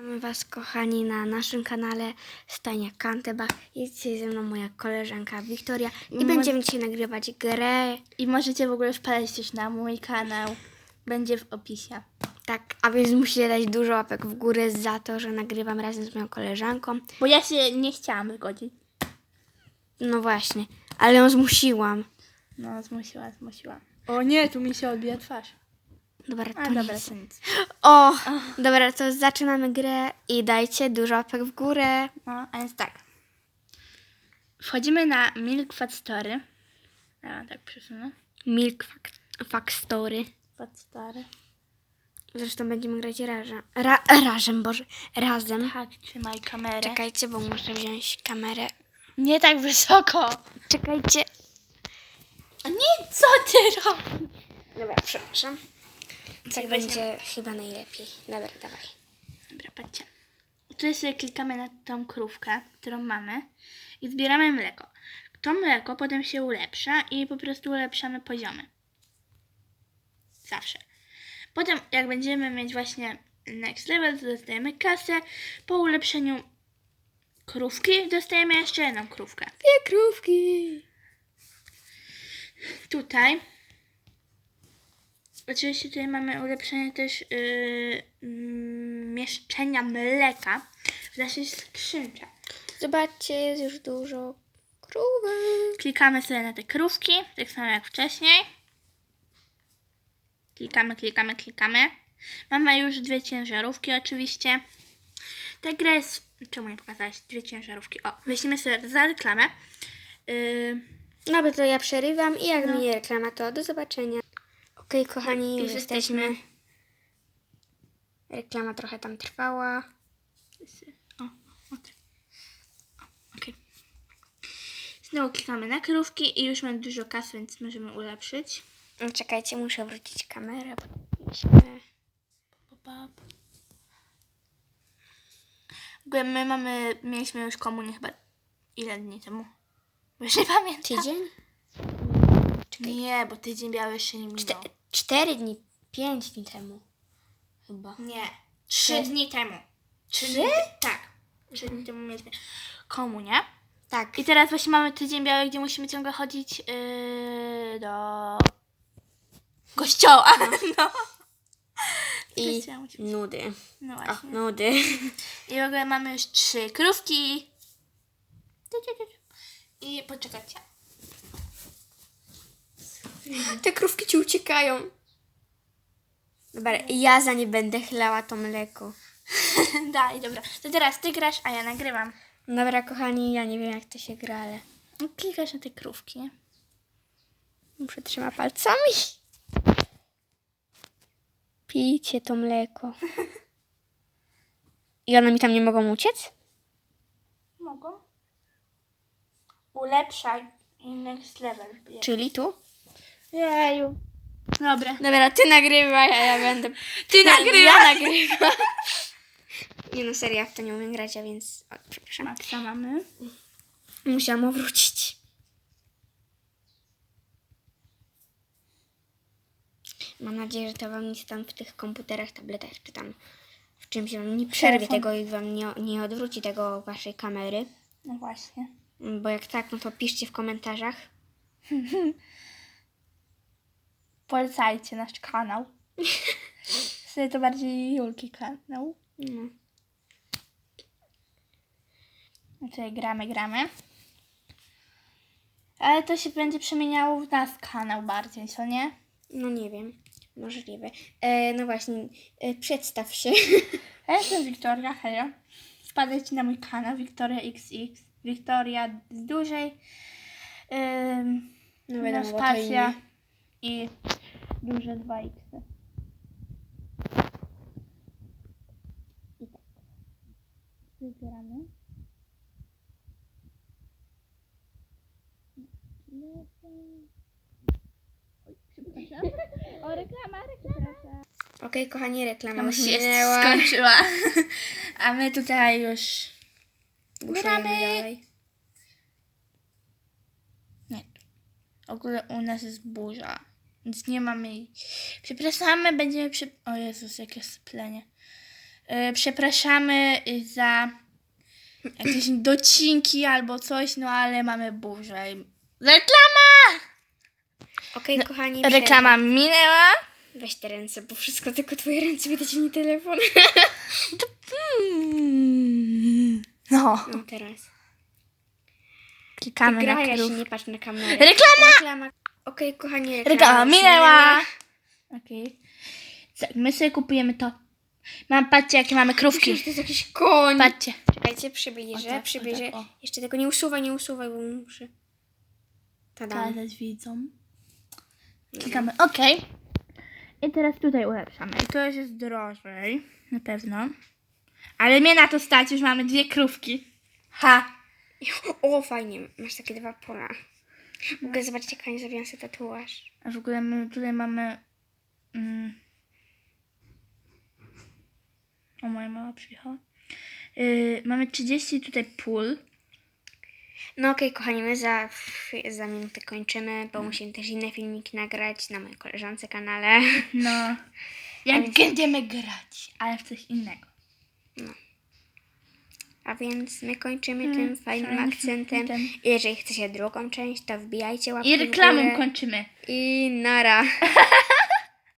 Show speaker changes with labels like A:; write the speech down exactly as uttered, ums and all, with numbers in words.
A: Witamy Was, kochani, na naszym kanale Stania Kantebach. Jest dzisiaj ze mną moja koleżanka Wiktoria i
B: Mo-
A: będziemy dzisiaj nagrywać grę.
B: I możecie w ogóle wpadać też na mój kanał. Będzie w opisie.
A: Tak, a więc musicie dać dużo łapek w górę za to, że nagrywam razem z moją koleżanką.
B: Bo ja się nie chciałam zgodzić.
A: No właśnie, ale ją zmusiłam.
B: No, zmusiła, zmusiła. O nie, tu mi się odbija twarz.
A: Dobra, to
B: A dobra,
A: nic.
B: to nic.
A: O, dobra, to zaczynamy grę i dajcie dużo łapek w górę.
B: No, a więc tak. Wchodzimy na Milk Factory. Ja tak przesunę.
A: Milk Fac- Factory.
B: Factory.
A: Zresztą będziemy grać razem. Ra- razem, Boże, razem.
B: Tak, trzymaj kamerę.
A: Czekajcie, bo muszę wziąć kamerę.
B: Nie tak wysoko.
A: Czekajcie.
B: A nie, co ty robisz?
A: Dobra, przepraszam. Tak będzie chyba najlepiej. Dobra, dawaj.
B: Dobra, patrzcie. Tutaj sobie klikamy na tą krówkę, którą mamy i zbieramy mleko. To mleko potem się ulepsza i po prostu ulepszamy poziomy. Zawsze. Potem jak będziemy mieć właśnie next level, to dostajemy kasę. Po ulepszeniu krówki dostajemy jeszcze jedną krówkę.
A: Dwie krówki.
B: Tutaj oczywiście tutaj mamy ulepszenie też yy, yy, mieszczenia mleka w naszej skrzynce.
A: Zobaczcie, jest już dużo krówek.
B: Klikamy sobie na te krówki, tak samo jak wcześniej. Klikamy, klikamy, klikamy. Mamy już dwie ciężarówki oczywiście. Ta gra jest... Czemu nie pokazałaś? Dwie ciężarówki. O, weźmiemy sobie za reklamę. Yy,
A: No bo to ja przerywam i jak
B: No.
A: mi reklama, to do zobaczenia. Okej, kochani, już
B: Już
A: jesteśmy.
B: jesteśmy.
A: Reklama trochę tam trwała.
B: o, o, tak. O, okej. Znowu klikamy na krówki i już mamy dużo kasy, więc możemy ulepszyć.
A: No, czekajcie, muszę wrócić kamerę. Bo...
B: W ogóle my mamy, mieliśmy już komunię chyba ile dni temu? Bo już nie pamiętam.
A: Tydzień?
B: Nie, bo tydzień biały jeszcze nie minął.
A: Czte- cztery dni, pięć dni temu. Chyba.
B: Nie, trzy
A: Trzy?
B: dni temu. Trzy?
A: Trzy?
B: Dni, tak, trzy dni temu mieliśmy komunię.
A: Tak.
B: I teraz właśnie mamy tydzień biały, gdzie musimy ciągle chodzić yy, do kościoła. No.
A: I
B: Kościoła musimy-
A: nudy.
B: No
A: O,
B: właśnie.
A: nudy.
B: I w ogóle mamy już trzy krówki. I poczekajcie.
A: Te krówki ci uciekają. Dobra, ja za nie będę chlała to mleko.
B: Daj, dobra. To teraz ty grasz, a ja nagrywam.
A: Dobra, kochani, ja nie wiem jak to się gra, ale
B: No, klikasz na te krówki.
A: muszę trzymać palcami. Pijcie to mleko. I one mi tam nie mogą uciec?
B: Mogą. Ulepszaj i next level.
A: Czyli tu?
B: Jeju. Dobra.
A: Dobra, ty nagrywaj, a ja będę...
B: Ty
A: Ja-
B: nagrywaj.
A: Ja nagrywam. Nie no, serio, ja w to nie umiem grać, a więc... O, przepraszam.
B: Maxa mamy.
A: Musiałam wrócić. Mam nadzieję, że to wam nic tam w tych komputerach, tabletach czy tam w czymś wam nie przerwie
B: Telefon.
A: tego i wam nie, nie odwróci tego waszej kamery.
B: No właśnie.
A: Bo jak tak, no to piszcie w komentarzach.
B: Polecajcie nasz kanał. Wtedy to bardziej Julki kanał.
A: No.
B: No tutaj gramy, gramy. Ale to się będzie przemieniało w nas kanał bardziej, co nie?
A: No nie wiem, możliwe. E, no właśnie, e, przedstaw się.
B: Ja jestem Wiktoria, hello. Wpadajcie na mój kanał Wiktoria X X. Wiktoria z dużej. Ym,
A: No
B: no
A: wiadomo, bo to
B: spacja
A: imię.
B: i duże dwa X. I tak. Wybieramy. Oj, przepraszam. O, reklama, reklama.
A: Okej, kochani, reklama
B: Reklama
A: już
B: się
A: minęła.
B: skończyła. A my tutaj już
A: Buszujemy
B: gramy.
A: dalej.
B: Nie. W ogóle u nas jest burza. Więc nie mamy jej. Przepraszamy, będziemy przy... O Jezus, jakie syplenie. Y, przepraszamy za jakieś docinki albo coś, no ale mamy burzę. Reklama!
A: Okej, kochani.
B: Reklama minęła.
A: Weź te ręce, bo wszystko tylko twoje ręce widać, nie telefon.
B: Mm. No.
A: No teraz.
B: Klikamy
A: Gra,
B: na
A: ja się
B: krów.
A: nie patrz na kamerę.
B: Reklama!
A: Reklama! Okej, kochani, reklama,
B: Reklama
A: już
B: minęła. Okej. Tak, my sobie kupujemy to. Mam, patrzcie, jakie mamy krówki.
A: Myślę, że to jest jakiś koń.
B: Patrzcie.
A: Czekajcie, przybliżę,
B: O tak,
A: przybliżę.
B: o tak, o.
A: Jeszcze tego nie usuwaj, nie usuwaj, bo muszę... Tadam.
B: Teraz widzą. Klikamy OK. I teraz tutaj ulepszamy. I to już jest drożej. Na pewno. Ale mnie na to stać, już mamy dwie krówki. Ha!
A: O, fajnie, masz takie dwa pola. Mogę zobaczyć, jak Ania zrobiła sobie tatuaż.
B: A w ogóle my tutaj mamy... Mm, o, moja mama przyjechała. Yy, mamy trzydzieści tutaj pól.
A: No okej, kochani, my za, za minutę kończymy, bo musimy też inne filmiki nagrać na mojej koleżance kanale.
B: No. Jak będziemy grać, ale w coś innego.
A: A więc my kończymy
B: Mm,
A: tym fajnym
B: fajnym
A: akcentem.
B: akcentem.
A: I jeżeli chcecie drugą część, to wbijajcie łapki
B: I
A: w
B: reklamą
A: górę.
B: kończymy.
A: I nara.